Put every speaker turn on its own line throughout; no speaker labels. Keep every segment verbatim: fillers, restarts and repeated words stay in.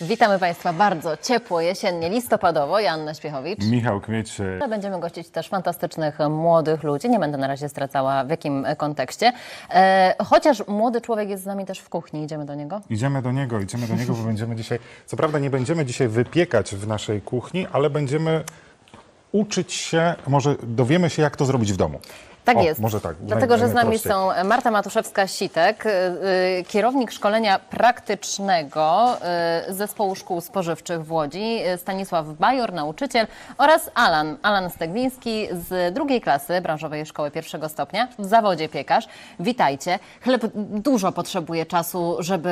Witamy Państwa bardzo ciepło, jesiennie, listopadowo. Joanna Śpiechowicz.
Michał Kmieć.
Będziemy gościć też fantastycznych młodych ludzi. Nie będę na razie zdradzała w jakim kontekście. E, chociaż młody człowiek jest z nami też w kuchni. Idziemy do niego?
Idziemy do niego, idziemy do niego, bo będziemy dzisiaj, co prawda nie będziemy dzisiaj wypiekać w naszej kuchni, ale będziemy uczyć się, może dowiemy się, jak to zrobić w domu.
Tak
O,
jest.
może tak.
Dlatego,
naj,
że z nami
najprościej.
są Marta Matuszewska-Sitek, y, kierownik szkolenia praktycznego y, Zespołu Szkół Spożywczych w Łodzi, y, Stanisław Bajor, nauczyciel, oraz Alan, Alan Stegliński z drugiej klasy branżowej szkoły pierwszego stopnia, w zawodzie piekarz. Witajcie. Chleb dużo potrzebuje czasu, żeby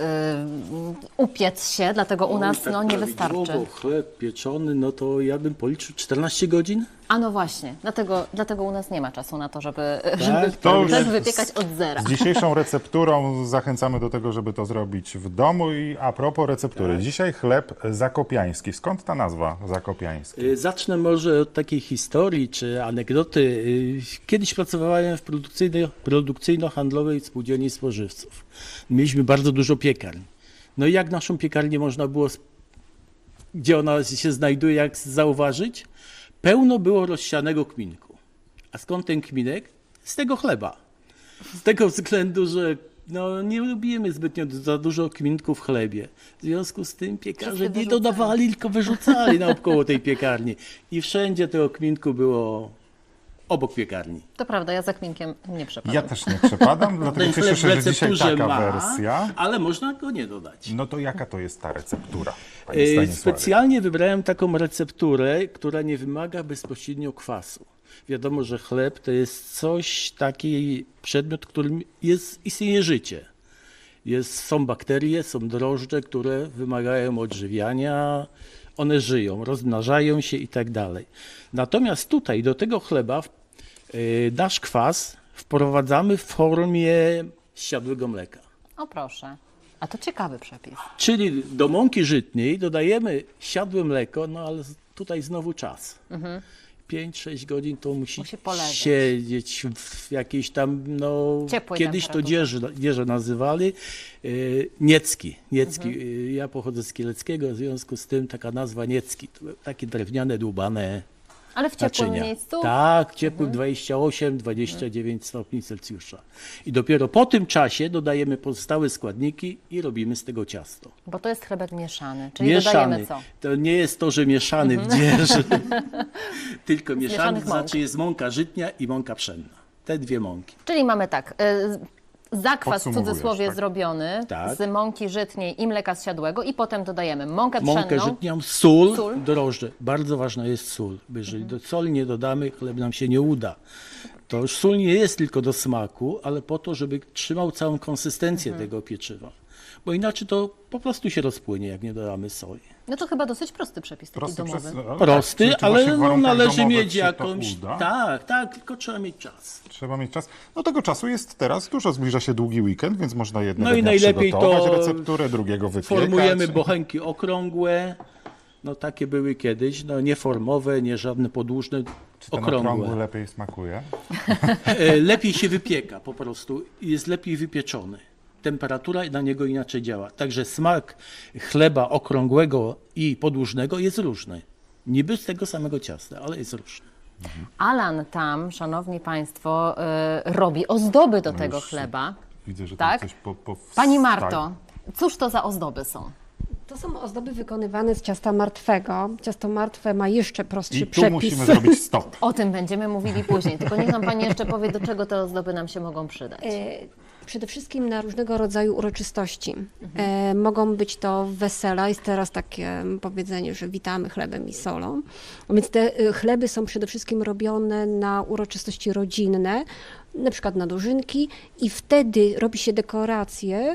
y, upiec się, dlatego u nas
tak
no, nie wystarczy.
prawidłowo chleb pieczony, no to ja bym policzył czternaście godzin.
A no właśnie, dlatego, dlatego u nas nie ma czasu na to, żeby, żeby
to już
chleb wypiekać od zera.
Z dzisiejszą recepturą zachęcamy do tego, żeby to zrobić w domu. I a propos receptury, dzisiaj chleb zakopiański. Skąd ta nazwa zakopiański?
Y, Zacznę może od takiej historii czy anegdoty. Y, Kiedyś pracowałem w produkcyjno- produkcyjno-handlowej spółdzielni spożywców. Mieliśmy bardzo dużo piekarni. No i jak naszą piekarnię można było, sp- gdzie ona się znajduje, jak zauważyć? Pełno było rozsianego kminku. A skąd ten kminek? Z tego chleba. Z tego względu, że no, nie lubimy zbytnio za dużo kminku w chlebie. W związku z tym piekarze
Wszyscy
nie
wyrzucali.
dodawali, tylko wyrzucali naokoło tej piekarni. I wszędzie tego kminku było obok piekarni.
To prawda, ja za kminkiem nie przepadam.
Ja też nie przepadam, dlatego
Ten
cieszę
chleb w
się, że dzisiaj
recepturze
taka
ma,
wersja.
ale można go nie dodać.
No to jaka to jest ta receptura, panie
E,
Stanisławie?
Specjalnie wybrałem taką recepturę, która nie wymaga bezpośrednio kwasu. Wiadomo, że chleb to jest coś, taki przedmiot, którym jest, istnieje życie. Jest, są bakterie, są drożdże, które wymagają odżywiania, one żyją, rozmnażają się i tak dalej. Natomiast tutaj do tego chleba y, nasz kwas wprowadzamy w formie zsiadłego mleka.
O proszę, a to ciekawy przepis.
Czyli do mąki żytniej dodajemy siadłe mleko, no ale tutaj znowu czas. pięć sześć godzin to musi,
Musi poleżeć.
siedzieć w jakiejś tam, no
Ciepłej
kiedyś to
temperaturze.
dzieże, dzieże nazywali, yy, niecki. niecki. Yy, Ja pochodzę z Kieleckiego, w związku z tym taka nazwa niecki. To były takie drewniane, dłubane
Ale w ciepłym
naczynia.
miejscu?
Tak, ciepłym dwadzieścia osiem dwadzieścia dziewięć stopni Celsjusza. I dopiero po tym czasie dodajemy pozostałe składniki i robimy z tego ciasto.
Bo to jest chlebek mieszany, czyli
Mieszany.
dodajemy co?
To nie jest to, że mieszany w dzieży, tylko mieszany,
mieszanych
to
mąk.
znaczy jest mąka żytnia i mąka pszenna. Te dwie mąki.
Czyli mamy tak, y, zakwas w
Podsumowujesz,
cudzysłowie
tak.
zrobiony
Tak.
z mąki żytniej i mleka zsiadłego i potem dodajemy mąkę
Mąkę
pszenną.
żytnią, sól,
Sól.
drożdże. Bardzo ważna jest sól. Bo jeżeli do soli nie dodamy, chleb nam się nie uda. To już sól nie jest tylko do smaku, ale po to, żeby trzymał całą konsystencję tego pieczywa. Bo inaczej to po prostu się rozpłynie, jak nie dodamy soli.
No to chyba dosyć prosty przepis, taki
Prosty
domowy.
przez- no,
Prosty,
tak, czy- czy właśnie
ale
w
no,
warunkach
należy
domowych
mieć
się to
jakąś...
uda?
Tak, tak, tylko trzeba mieć czas.
Trzeba mieć czas. No tego czasu jest teraz dużo, zbliża się długi weekend, więc można jednego
No i
dnia
najlepiej
przygotować
to
recepturę, drugiego wypiekać.
Formujemy bochenki okrągłe, no takie były kiedyś, no nie formowe, nie żadne podłużne,
Czy ten okrągły
okrągłe.
lepiej smakuje?
E, Lepiej się wypieka po prostu, jest lepiej wypieczony. Temperatura na niego inaczej działa. Także smak chleba okrągłego i podłużnego jest różny. Niby z tego samego ciasta, ale jest różny.
Alan tam, szanowni państwo, y, robi ozdoby do tego
już
chleba.
Widzę, że
Tak?
tam coś po, po
Pani Marto, cóż to za ozdoby są?
To są ozdoby wykonywane z ciasta martwego. Ciasto martwe ma jeszcze prostszy
I tu
przepis.
musimy zrobić stop.
O tym będziemy mówili później, tylko niech nam Pani jeszcze powie, do czego te ozdoby nam się mogą przydać.
E, Przede wszystkim na różnego rodzaju uroczystości. E, mogą być to wesela, jest teraz takie powiedzenie, że witamy chlebem i solą. Więc te e, chleby są przede wszystkim robione na uroczystości rodzinne, na przykład na dożynki i wtedy robi się dekoracje.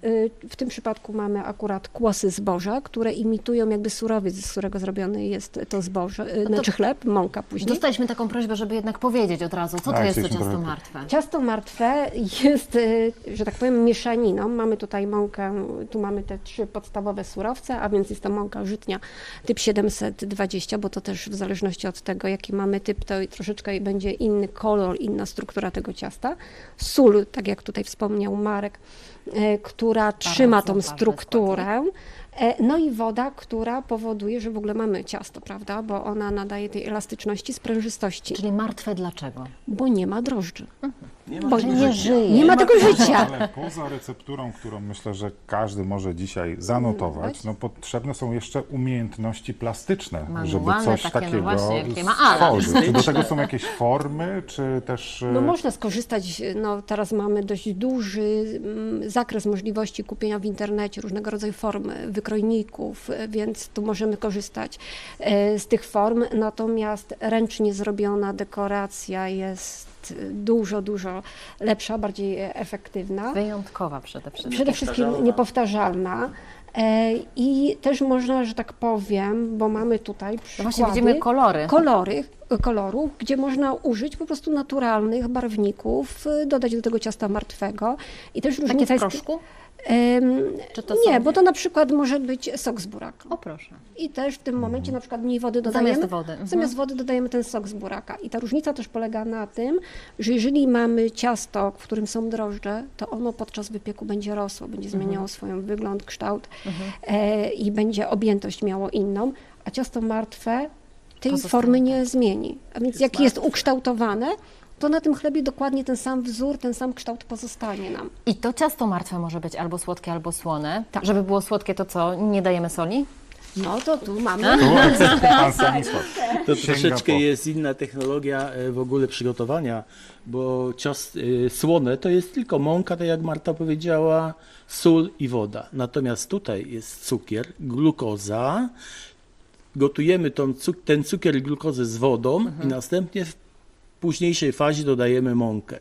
W tym przypadku mamy akurat kłosy zboża, które imitują jakby surowiec, z którego zrobione jest to zboże, znaczy chleb, mąka później.
Dostaliśmy taką prośbę, żeby jednak powiedzieć od razu, co to
Tak,
jest to
chcieliśmy
ciasto
trochę-
martwe.
Ciasto martwe jest, y, że tak powiem, mieszaniną. Mamy tutaj mąkę, tu mamy te trzy podstawowe surowce, a więc jest to mąka żytnia typ siedemset dwadzieścia, bo to też w zależności od tego, jaki mamy typ, to troszeczkę będzie inny kolor, inna struktura tego ciasta. Sól, tak jak tutaj wspomniał Marek, y, która która trzyma tą
ważny
strukturę. E, No i woda, która powoduje, że w ogóle mamy ciasto, prawda? Bo ona nadaje tej elastyczności, sprężystości,
Czyli martwe dlaczego?
bo nie ma drożdży.
Nie
Bo
tego
nie
życia.
żyje.
Nie ma tego życia.
Ale poza recepturą, którą myślę, że każdy może dzisiaj zanotować, no potrzebne są jeszcze umiejętności plastyczne, żeby
Manualne
coś
takie, no
takiego
właśnie, jakie ma Alan.
stworzyć. Czy do tego są jakieś formy, czy też...
No
e,
można skorzystać, no teraz mamy dość duży mm, zakres możliwości kupienia w internecie różnego rodzaju form wykrojników, e, więc tu możemy korzystać e, z tych form, natomiast ręcznie zrobiona dekoracja jest dużo, dużo lepsza, bardziej efektywna.
Wyjątkowa przede wszystkim.
Przede wszystkim niepowtarzalna. E, I też można, że tak powiem, bo mamy tutaj
No
przykłady,
właśnie widzimy kolory.
kolory, kolorów, gdzie można użyć po prostu naturalnych barwników, y, dodać do tego ciasta martwego. I też
Takie
różnica
w
jest...
proszku?
Em,
Czy to
nie,
są-
bo to na przykład może być sok z buraka.
O proszę.
I też w tym momencie na przykład mniej wody dodajemy.
Zamiast wody, mhm.
Zamiast wody dodajemy ten sok z buraka. I ta różnica też polega na tym, że jeżeli mamy ciasto, w którym są drożdże, to ono podczas wypieku będzie rosło, będzie
Mhm.
zmieniało swój wygląd, kształt e, i będzie objętość miało inną, a ciasto martwe tej
Pozostanie
formy
tak.
nie zmieni. A więc jak jest ukształtowane, to na tym chlebie dokładnie ten sam wzór, ten sam kształt pozostanie nam.
I to ciasto martwe może być albo słodkie, albo słone.
Tak.
Żeby było słodkie, to co? Nie dajemy soli?
No to tu mamy...
Tu akcent pan Stanisław.
To
Sięga
troszeczkę
po-
jest inna technologia e, w ogóle przygotowania, bo ciast e, słone to jest tylko mąka, tak jak Marta powiedziała, sól i woda. Natomiast tutaj jest cukier, glukoza. Gotujemy tą, cuk- ten cukier i glukozę z wodą i następnie w późniejszej fazie dodajemy mąkę.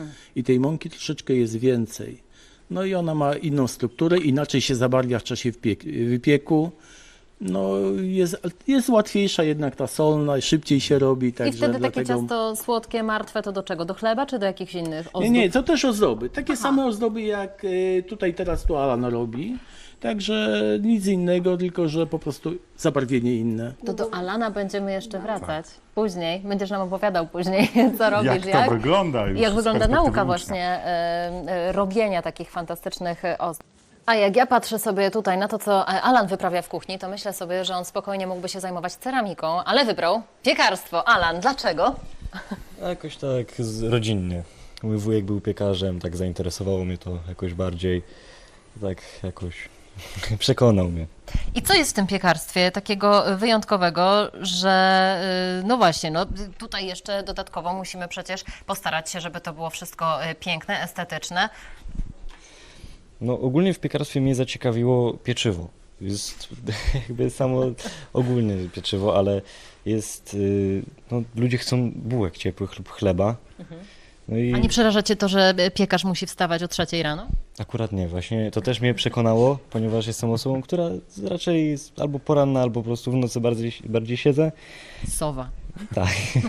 I tej mąki troszeczkę jest więcej. No i ona ma inną strukturę, inaczej się zabarwia w czasie wpiek- wypieku. No jest, jest łatwiejsza jednak ta solna, szybciej się robi.
I
Także
wtedy takie
dlatego...
ciasto słodkie, martwe, to do czego? Do chleba, czy do jakichś innych ozdób?
Nie, nie, to też ozdoby. Takie same ozdoby jak y, tutaj teraz tu Alan robi. Także nic innego, tylko że po prostu zabarwienie inne.
To do Alana będziemy jeszcze wracać. Później, będziesz nam opowiadał później, co robisz,
Jak to wygląda już
jak
z
wygląda
perspektywy
nauka
ucznia.
właśnie e, e, robienia takich fantastycznych e, ozdób. A jak ja patrzę sobie tutaj na to, co Alan wyprawia w kuchni, to myślę sobie, że on spokojnie mógłby się zajmować ceramiką, ale wybrał piekarstwo. Alan, dlaczego?
A jakoś tak z, rodzinnie. Mój wujek był piekarzem, tak zainteresowało mnie to jakoś bardziej. Tak jakoś przekonał mnie.
I co jest w tym piekarstwie takiego wyjątkowego, że y, no właśnie, no tutaj jeszcze dodatkowo musimy przecież postarać się, żeby to było wszystko y, piękne, estetyczne.
No ogólnie w piekarstwie mnie zaciekawiło pieczywo. Jest jakby samo ogólnie pieczywo, ale jest, y, no ludzie chcą bułek ciepłych lub chleba. No i
A nie przeraża cię to, że piekarz musi wstawać o trzeciej rano?
akurat nie, właśnie to też mnie przekonało, ponieważ jestem osobą, która raczej jest albo poranna, albo po prostu w nocy bardziej, bardziej siedzę.
Sowa.
Tak.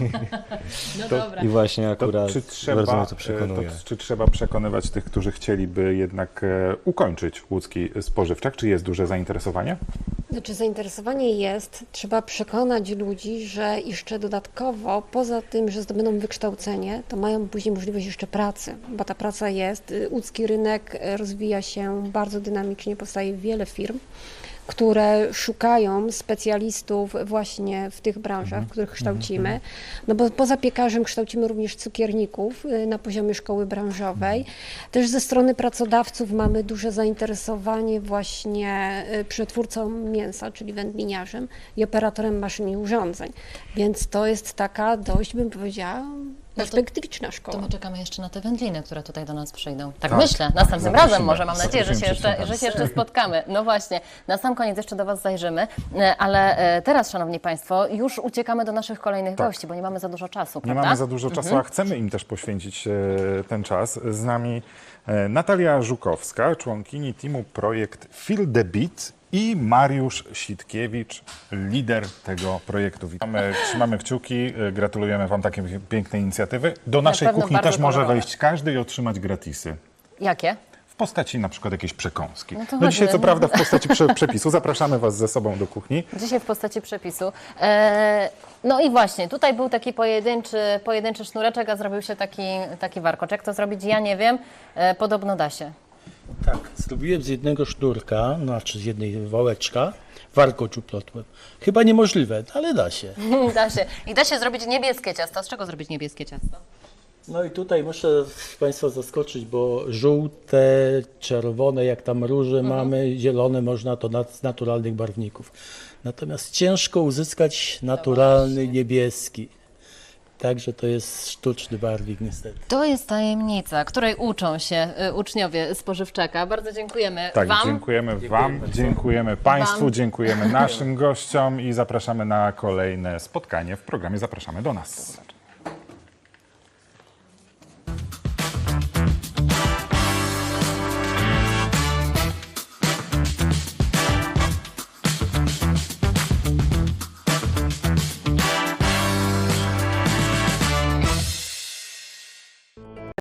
No
To-
dobra.
I właśnie
To
akurat
czy,
bardzo
trzeba,
mnie to przekonuje.
e, to, czy trzeba przekonywać tych, którzy chcieliby jednak e, ukończyć łódzki spożywczak? Czy jest duże zainteresowanie?
Znaczy zainteresowanie jest, trzeba przekonać ludzi, że jeszcze dodatkowo, poza tym, że zdobędą wykształcenie, to mają później możliwość jeszcze pracy, bo ta praca jest. Łódzki rynek rozwija się bardzo dynamicznie, powstaje wiele firm, które szukają specjalistów właśnie w tych branżach, w których kształcimy. No bo poza piekarzem kształcimy również cukierników y, na poziomie szkoły branżowej. Też ze strony pracodawców mamy duże zainteresowanie właśnie y, przetwórcą mięsa, czyli wędliniarzem i operatorem maszyn i urządzeń. Więc to jest taka dość, bym powiedziała, perspektywiczna
To
szkoła.
my czekamy jeszcze na te wędliny, które tutaj do nas przyjdą. Tak,
Tak.
myślę, następnym
Zaprosimy.
razem może, mam nadzieję, że się,
Zaprosimy
jeszcze, że się jeszcze spotkamy. No właśnie, na sam koniec jeszcze do Was zajrzymy, E, ale e, teraz, Szanowni Państwo, już uciekamy do naszych kolejnych
Tak.
gości, bo nie mamy za dużo czasu,
Nie
prawda?
mamy za dużo czasu, a chcemy im też poświęcić e, ten czas. Z nami e, Natalia Żukowska, członkini teamu projekt Feel the Beat i Mariusz Sitkiewicz, lider tego projektu. Witamy, trzymamy kciuki, e, gratulujemy Wam takiej pięknej inicjatywy. Do naszej
pewno
kuchni
bardzo
też może
kolorowe.
wejść każdy i otrzymać gratisy.
Jakie?
W postaci na przykład jakiejś przekąski.
No
No,
to chodźmy.
dzisiaj co prawda w postaci prze, przepisu. Zapraszamy Was ze sobą do kuchni.
Dzisiaj w postaci przepisu. E, no i właśnie, tutaj był taki pojedynczy, pojedynczy sznureczek, a zrobił się taki, taki warkocz. Jak to zrobić? Ja nie wiem. E, podobno da się.
Tak, zrobiłem z jednego sznurka, znaczy z jednej wałeczka, warkocz uplotłem. Chyba niemożliwe, ale da się.
Da się. I da się zrobić niebieskie ciasto. Z czego zrobić niebieskie ciasto?
No i tutaj muszę Państwa zaskoczyć, bo żółte, czerwone, jak tam róże mamy, zielone można to nat- z naturalnych barwników. Natomiast ciężko uzyskać naturalny niebieski. Także to jest sztuczny barwnik niestety.
To jest tajemnica, której uczą się y, uczniowie spożywczaka. Bardzo dziękujemy
Tak,
Wam.
dziękujemy Wam, dziękujemy Państwu,
Wam.
dziękujemy naszym gościom i zapraszamy na kolejne spotkanie w programie Zapraszamy do nas.